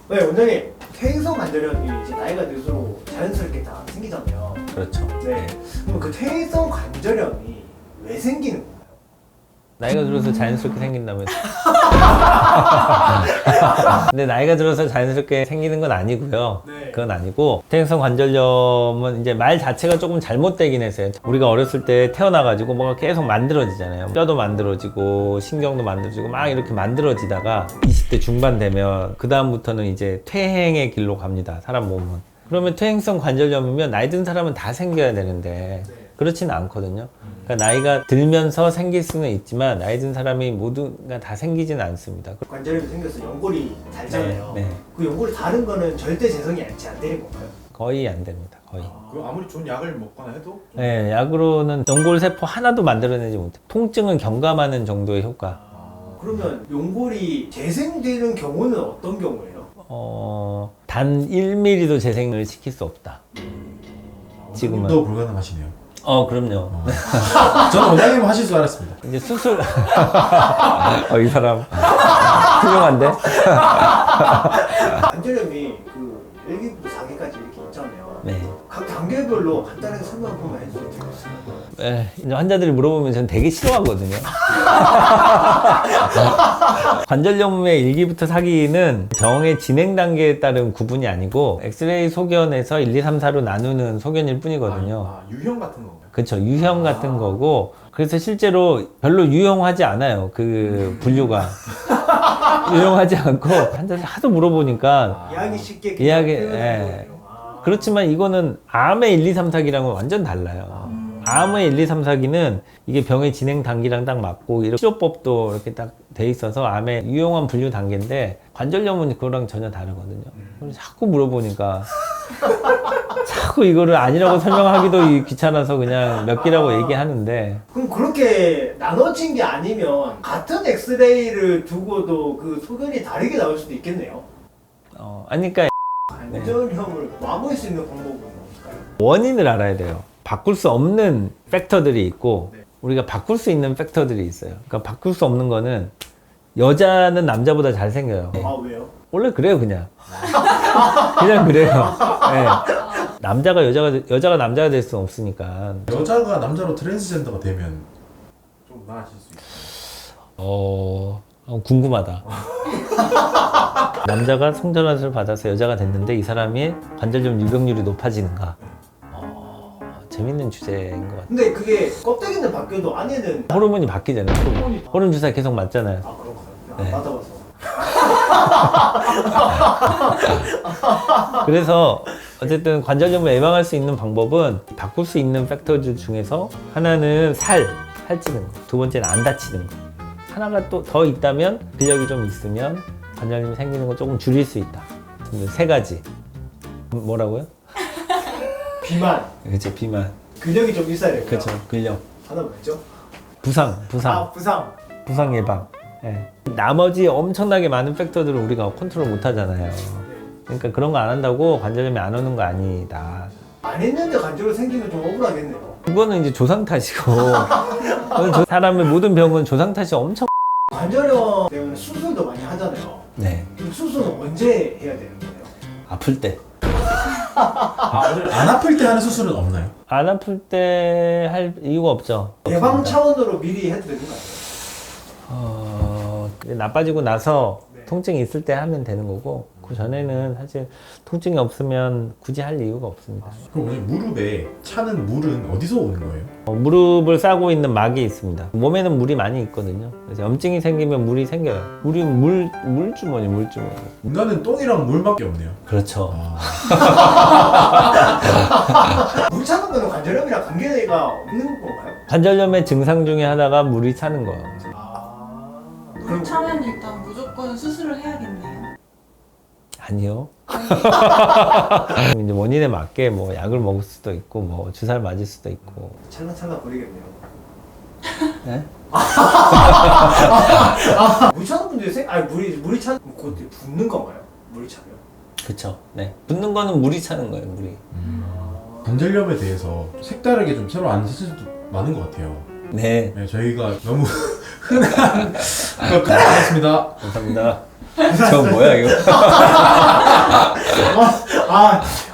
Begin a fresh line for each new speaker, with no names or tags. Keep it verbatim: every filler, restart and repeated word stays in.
네, 원장님 퇴행성 관절염이 이제 나이가 들수록 자연스럽게 다 생기잖아요.
그렇죠.
네. 그럼 그 퇴행성 관절염이 왜 생기는 건가요?
나이가 들어서 자연스럽게 생긴다면 근데 나이가 들어서 자연스럽게 생기는 건 아니고요.
네.
그건 아니고 퇴행성 관절염은 이제 말 자체가 조금 잘못되긴 했어요. 우리가 어렸을 때 태어나가지고 뭐가 계속 만들어지잖아요. 뼈도 만들어지고 신경도 만들어지고 막 이렇게 만들어지다가 이십 대 중반 되면 그 다음부터는 이제 퇴행의 길로 갑니다. 사람 몸은. 그러면 퇴행성 관절염이면 나이 든 사람은 다 생겨야 되는데 그렇지는 않거든요. 그러니까 나이가 들면서 생길 수는 있지만 나이 든 사람이 모두가 다 생기지는 않습니다.
관절염이 생겨서 연골이 달잖아요.
네, 네.
그 연골이 다른 거는 절대 재성이 안 되는 건가요?
거의 안 됩니다. 거의.
그 아무리 좋은 약을 먹거나 해도 좀
네, 약으로는 연골 세포 하나도 만들어내지 못해. 통증을 경감하는 정도의 효과.
그러면 연골이 재생되는 경우는 어떤 경우예요?
어, 단 일 밀리미터도 재생을 시킬 수 없다. 지금은.
도 불가능하시네요.
어, 그럼요.
저는 원장님 하실 줄 알았습니다.
이제 수술. 어, 이 사람. 훌륭한데?
관절염이 그 일 기부터 사 기까지 이렇게 있잖아요.
네.
각 단계별로 간단하게 설명 한 번만 해주세요.
에, 이제 환자들이 물어보면 저는 되게 싫어하거든요. 관절염의 일 기부터 사 기는 병의 진행 단계에 따른 구분이 아니고 엑스레이 소견에서 일, 이, 삼, 사로 나누는 소견일 뿐이거든요.
아, 유형 같은 건가요?
그렇죠. 유형 같은 거고 그래서 실제로 별로 유용하지 않아요. 그 분류가. 유용하지 않고 환자들 하도 물어보니까
이해하기 쉽게
이해하기,
표현하는
예.
거예요. 아.
그렇지만 이거는 암의 일, 이, 삼, 사 기랑은 완전 달라요. 암의 일, 이, 삼, 사 기는 이게 병의 진행 단계랑 딱 맞고 이렇게 치료법도 이렇게 딱 돼 있어서 암의 유용한 분류 단계인데 관절염은 그거랑 전혀 다르거든요. 그래서 자꾸 물어보니까 자꾸 이거를 아니라고 설명하기도 귀찮아서 그냥 몇 기라고 얘기하는데
그럼 그렇게 나눠진 게 아니면 같은 엑스레이를 두고도 그 소견이 다르게 나올 수도 있겠네요.
어, 아니 그러니까
관절염을 막을 수 있는 방법은 없을까요?
원인을 알아야 돼요. 바꿀 수 없는 팩터들이 있고 우리가 바꿀 수 있는 팩터들이 있어요. 그러니까 바꿀 수 없는 거는 여자는 남자보다 잘생겨요.
아 왜요?
원래 그래요 그냥. 그냥 그래요. 네. 남자가 여자가 여자가 남자가 될 수는 없으니까.
여자가 남자로 트랜스젠더가 되면 좀 나아질 수 있어요.
어, 어 궁금하다. 남자가 성전환수를 받아서 여자가 됐는데 이 사람이 관절염 유병률이 높아지는가? 어, 재밌는 주제인 것 같아요.
근데 그게 껍데기는 바뀌어도 안에는
호르몬이 바뀌잖아요. 호르몬, 호르몬 주사 계속 맞잖아요.
아 그런가요?
네.
안 받아봐서.
그래서 어쨌든 관절염을 예방할 수 있는 방법은 바꿀 수 있는 팩터들 중에서 하나는 살, 살찌는 거. 두 번째는 안 다치는 거. 하나가 또 더 있다면 근력이 좀 있으면 관절염이 생기는 거 조금 줄일 수 있다. 세 가지. 뭐라고요?
비만,
그렇죠. 비만.
근력이 좀 있어야 되고요.
그렇죠. 근력.
하나 뭐였죠?
부상, 부상.
아 부상.
부상 예방. 예. 나머지 엄청나게 많은 팩터들을 우리가 컨트롤 못 하잖아요. 그러니까 그런 거 안 한다고 관절염이 안 오는 거 아니다.
안 했는데 관절염 생기면 좀 억울하겠네요.
그거는 이제 조상 탓이고 그건 조- 사람의 모든 병은 조상 탓이 엄청
관절염 때문에 수술도 많이 하잖아요.
네
그럼 수술은 언제 해야 되는 거예요?
아플 때 안
안 아플 때 하는 수술은 없나요?
아플 때 할 이유가 없죠.
예방
없습니다.
차원으로 미리 해도 되는 거 아니에요?
어, 나빠지고 나서
네.
통증이 있을 때 하면 되는 거고 그 전에는 사실 통증이 없으면 굳이 할 이유가 없습니다.
그럼 원장님 무릎에 차는 물은 어디서 오는 거예요?
어, 무릎을 싸고 있는 막이 있습니다. 몸에는 물이 많이 있거든요. 그래서 염증이 생기면 물이 생겨요. 물이 물 물주머니 물주머니.
인간은 똥이랑 물밖에 없네요.
그렇죠.
아,
물 차는 거는 관절염이랑 관계가 없는 건가요?
관절염의 증상 중에 하나가 물이 차는 거예요.
아
물 차면 일단 무조건 수술을 해야겠네요.
아니요. 그럼 이제 원인에 맞게 뭐 약을 먹을 수도 있고 뭐 주사를 맞을 수도 있고.
찰나찰나 버리겠네요.
네?
아, 물 차는 분들이 생, 아니 물이 물이 차, 그거 붓는 건가요? 물이 차면?
그쵸. 네. 붓는 거는 물이 차는 거예요. 물이.
관절염에 대해서 색다르게 좀 새로 아는 사실도 많은 것 같아요.
네.
네, 저희가 너무 흔한 것까지 알았습니다.
감사합니다. 저 뭐야 이거?
아